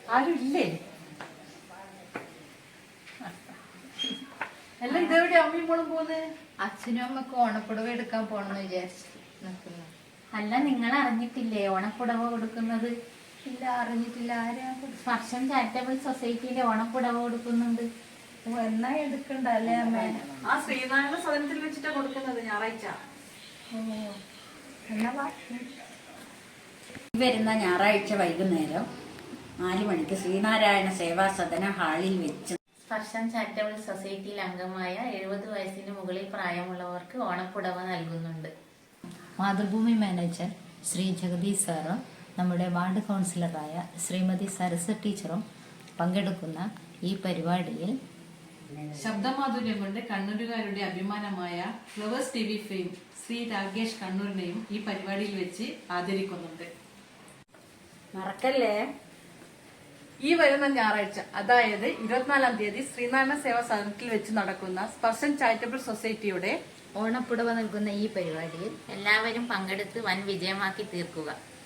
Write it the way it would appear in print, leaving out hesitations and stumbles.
ആരും ഇല്ലേ? എല്ലാം ഇതെവിടെ അമ്മയും മോളും പോകുന്നത്? അച്ഛനും അമ്മക്ക് ഓണപ്പുടവ എടുക്കാൻ പോണെന്ന് വിചാരിച്ചു നിൽക്കുന്നു. അല്ല, നിങ്ങൾ അറിഞ്ഞിട്ടില്ലേ ഓണപ്പുടവ കൊടുക്കുന്നത്? ഇല്ല, അറിഞ്ഞിട്ടില്ല. ആരാ? സ്പർശം ചാരിറ്റബിൾ സൊസൈറ്റിയിലെ ഓണപ്പുടവ കൊടുക്കുന്നുണ്ട്. എന്നാ എടുക്കണ്ട അല്ലേ അമ്മ? ആ ശ്രീനാരായണ സദനത്തിൽ വെച്ചിട്ടാ കൊടുക്കുന്നത്, ഞായറാഴ്ച. എന്നാ വാ. വരുന്ന ഞായറാഴ്ച വൈകുന്നേരം 4 മണിക്ക് ശ്രീനാരായണ സേവാ സദന ഹാളിൽ വെച്ച് സ്പർശം ചാരിറ്റബിൾ സൊസൈറ്റിയിൽ അംഗമായ 70 വയസ്സിന് മുകളിൽ പ്രായമുള്ളവർക്ക് ഓണപ്പുടവ നൽകുന്നുണ്ട്. മാതൃഭൂമി മാനേജർ ശ്രീ ജഗദീഷ് സാറും നമ്മുടെ വാർഡ് കൗൺസിലറായ ശ്രീമതി സരസ ടീച്ചറും പങ്കെടുക്കുന്ന ഈ പരിപാടിയിൽ ശബ്ദമാധുര്യം കൊണ്ട് കണ്ണൂരുകാരുടെ അഭിമാനമായ Flowers TV fame Shri Rakesh കണ്ണൂരിനെയും ഈ പരിപാടിയിൽ വെച്ച് ആദരിക്കുന്നുണ്ട്. മറക്കല്ലേ. ഈ വരുന്ന ഞായറാഴ്ച, അതായത് 24-ാം തീയതി ശ്രീനാരായണ സേവാ സദനത്തിൽ വെച്ച് നടക്കുന്ന സ്പർശൻ ചാരിറ്റബിൾ സൊസൈറ്റിയുടെ ഓണപ്പുടവ നൽകുന്ന ഈ പരിപാടിയിൽ എല്ലാവരും പങ്കെടുത്ത് വൻ വിജയമാക്കി തീർക്കുക.